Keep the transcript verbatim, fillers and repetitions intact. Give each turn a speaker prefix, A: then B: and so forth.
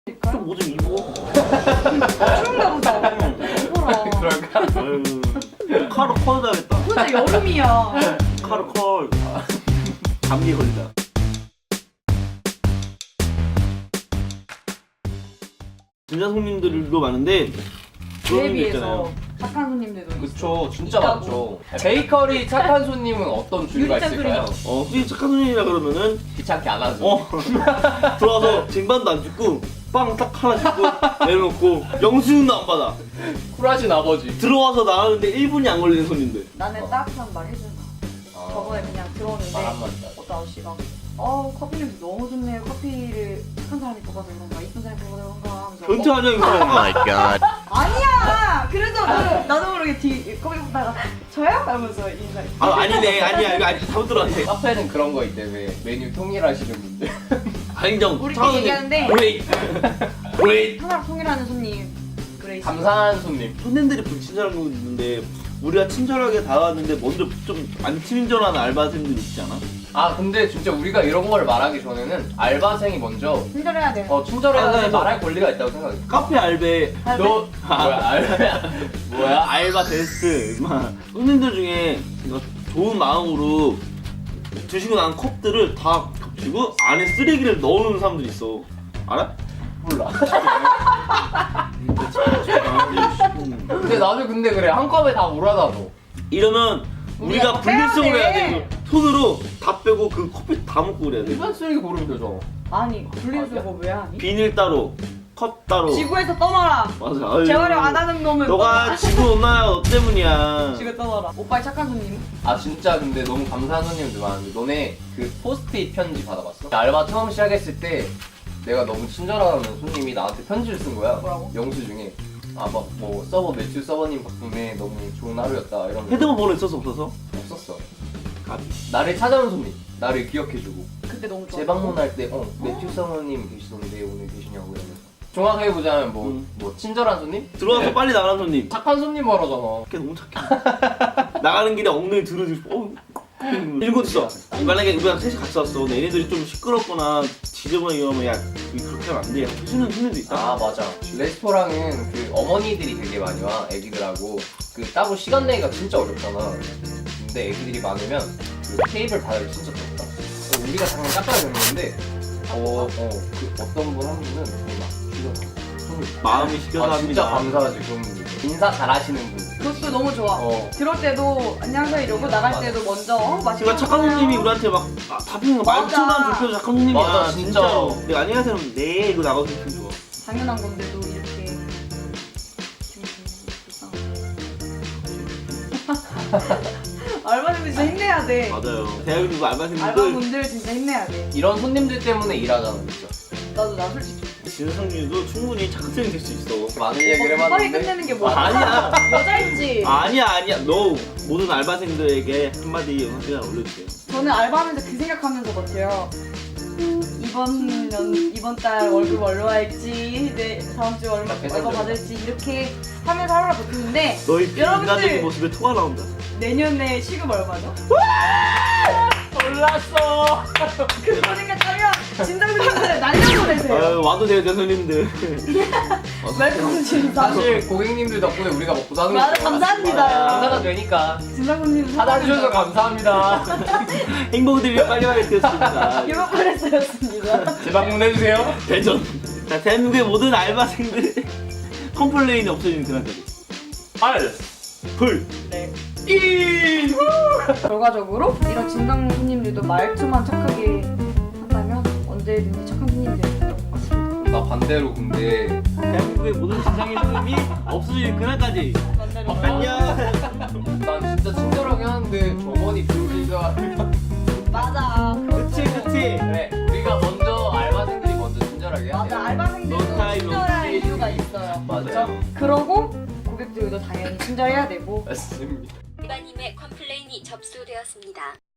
A: 좀 뭐 좀 입어.
B: 추운가 보다. 입어라.
C: 그럴까?
A: 아유, 카로 컬 해야겠다.
B: 진짜 여름이야.
A: 카로 컬. 감기 걸리다. 진짜 손님들도 많은데 그런
B: 그에
A: 분들
B: 비해서
A: 있잖아요.
B: 착한 손님들도 있어.
C: 그쵸, 진짜
B: 있다고.
C: 많죠. 베이커리 착한 손님은 어떤 주류가
B: 유리잔
C: 있을까요?
A: 어, 솔직히 착한 손님이라 그러면은
C: 귀찮게 안 하죠.
A: 어 들어와서 쟁반도 안 줍고 빵 딱 하나 줍고 내려놓고 영수증도 안 받아.
C: 쿨하신 아버지.
A: 들어와서 나가는데 일 분이 안 걸리는 손님들.
B: 나는
C: 어.
B: 따뜻한 말 해준다.
C: 아,
B: 저번에 그냥 들어오는데
C: 말 한마디.
B: 어떤 아저씨가 어 커피 냄새 너무 좋네요. 커피를 착한 사람이 뽑아서 그런가 이쁜 사람이 뽑아서 그런가 하면서
A: 변태
B: 어,
A: 아니야 이거.
D: my god.
B: 아니야. 그래서 나도, 나도 모르게 뒤 커피 뽑다가 저요? 하면서 인사.
A: 아 아니네 아니야 이거 아니 잘못 들었네.
C: 카페는 그런 거 있대. 왜 메뉴 통일하시는 분들.
A: 아인정.
B: 우리끼리 얘기하는데
A: 그레이 그레이.
B: 항상 통일하는 손님 그레이스.
C: 감사한 손님.
A: 손님들이 불친절한 거 있는데 우리가 친절하게 다가왔는데 먼저 좀 안 친절한 알바생들 있지 않아?
C: 아 근데 진짜 우리가 이런 걸 말하기 전에는 알바생이 먼저
B: 친절해야 돼.
C: 어 친절해야
A: 아,
C: 돼
A: 네, 뭐.
C: 말할 권리가 있다고 생각해.
A: 카페 알베
B: 알바?
C: 너 뭐야 알바야? 뭐야?
A: 알바 베스트 임마. 손님들 중에 이거 좋은 마음으로 드시고 난 컵들을 다 겹치고 안에 쓰레기를 넣어놓는 사람들이 있어. 알아?
C: 몰라.
A: 음.
C: 근데 나도 근데 그래 한 컵에 다 몰아놔 너.
A: 이러면 우리가
B: 우리가
A: 분리수거를 해야
B: 빼야
A: 돼.
B: 돼.
A: 이거. 손으로 다 빼고 그 커피 다 먹고 그래야 돼.
C: 일반 쓰레기 고르면 되죠.
B: 아니 분리수거 왜 하니?
A: 비닐 따로, 컵 따로.
B: 지구에서 떠나라.
A: 맞아. 아유.
B: 재활용 안 하는 놈은
A: 너가 지구 온난화가 너 때문이야.
B: 지구 떠나라. 오빠의 착한 손님.
C: 아 진짜 근데 너무 감사한 손님들 많은데 너네 그 포스트잇 편지 받아봤어? 알바 처음 시작했을 때 내가 너무 친절한 손님이 나한테 편지를 쓴 거야.
B: 뭐라고?
C: 영수증에 아 막 뭐 서버 매튜 서버님 덕분에 너무 좋은 하루였다 이런 거
A: 헤드폰 번호 있어서 없어서?
C: 없었어.
A: 까비.
C: 나를 찾아온 손님, 나를 기억해주고
B: 그때 너무 좋아.
C: 재방문할 때 어 매튜 서버님 계시던데 오늘 계시냐고 이러면서 종합해 보자면 뭐 뭐
A: 음.
C: 친절한 손님,
A: 들어와서 빨리 나가는 손님.
C: 착한 손님 말하잖아.
A: 걔 너무 착해. 나가는 길에 엉덩이 들어주고 어. 일곱 있어. 만약에 우리가 셋이 같이 왔어. 근데 얘네들이 좀 시끄럽거나 지저분하게 이러면 야 그렇게 하면 안 돼. 해주는 손님도 있다.
C: 아 맞아. 레스토랑은 그 어머니들이 되게 많이 와 애기들하고 그 따로 시간 내기가 진짜 어렵잖아. 근데 애기들이 많으면 그 테이블 받아기 진짜 좋다. 우리가 당연히 깎아야 되는데 어, 어, 그 어떤 분 한 분은 되게 막 시켜서
A: 마음이 시켜서
C: 아 진짜
A: 합니다.
C: 감사하지 그런 분들. 인사 잘하시는 분들.
B: 그것도 너무 좋아.
C: 어.
B: 들어올 때도 안녕하세요 이러고 나갈
C: 맞아.
B: 때도 먼저 어, 맛있게
A: 제가 착한
B: 먹어요.
A: 손님이 우리한테 막 아, 답변
B: 맞아.
A: 말투만 불편해서 착한 손님이야.
C: 맞아, 진짜.
A: 진짜로. 내가 안녕하세요 하면 네 이거 나가서 기분 좋아.
B: 당연한 건데도 이렇게 알바생들 진짜 힘내야 돼.
A: 맞아요. 대학교 알바생들
B: 알바분들 진짜 힘내야 돼.
C: 이런 손님들 때문에 일하잖아 진짜.
B: 나도 나 솔직히
A: 진성준도 충분히 착한 손님 될 수 있어.
C: 많은 얘기를
B: 급하게
C: 해봤는데
B: 끝내는 게 뭐야?
A: 아니야.
B: 여자인지.
A: 아니야 아니야. 너 모든 알바생들에게 한마디 영상을 올려주세요.
B: 저는 알바하면서 그 생각하면서 버텨요. 음, 이번 년 이번 달 월급 얼마 할지, 내 다음 주 얼마
C: 계산
B: 얼마
C: 좀
B: 받을지 이렇게 하면서 하루를 버티는데
A: 너희
B: 여러분들!
A: 비인간적인 모습에 토가 나온다.
B: 내년에 시급 얼마죠?
C: 몰랐어.
B: 그거 생각하면 진상들한테 날려보내세요.
A: 아유 와도 돼요 대선님들.
B: 웰컴 진상.
C: 사실 고객님들 덕분에 우리가 먹고 사는
B: 맞아,
C: 거죠.
B: 감사합니다.
C: 감사가 되니까
B: 진상분님
C: 받아주셔서 감사합니다.
A: 행복들이 빨리빨리 되었습니다.
B: 유로프레스였습니다.
C: 재방문해주세요.
A: 대전. 자 대한민국의 모든 알바생들 컴플레인이 없어지는 그날까지.
C: 알.
A: 불.
B: 네.
C: 이.
B: 결과적으로 이런 진상 손님들도 말투만 착하게 한다면 언제든지 착한 손님이 될 수 있다고 생각합니다.
C: 나 반대로 근데
A: 대한민국의 모든 진상의 흐름이 없어지는 그날까지.
B: 반대로.
A: 안녕.
C: 난 진짜 친절하게 하는데 저번이 비올리가
B: 맞아.
A: 그치 그치.
C: 그래 우리가 먼저 알바생들이 먼저 친절하게 해야 돼.
B: 맞아. 알바생들도
A: No time, no
B: 친절할
A: space.
B: 이유가 있어요.
C: 맞아요.
B: 그러고 고객들도 당연히 친절해야 되고.
C: 맞습니다.
E: 일반님의 컴플레인이 접수되었습니다.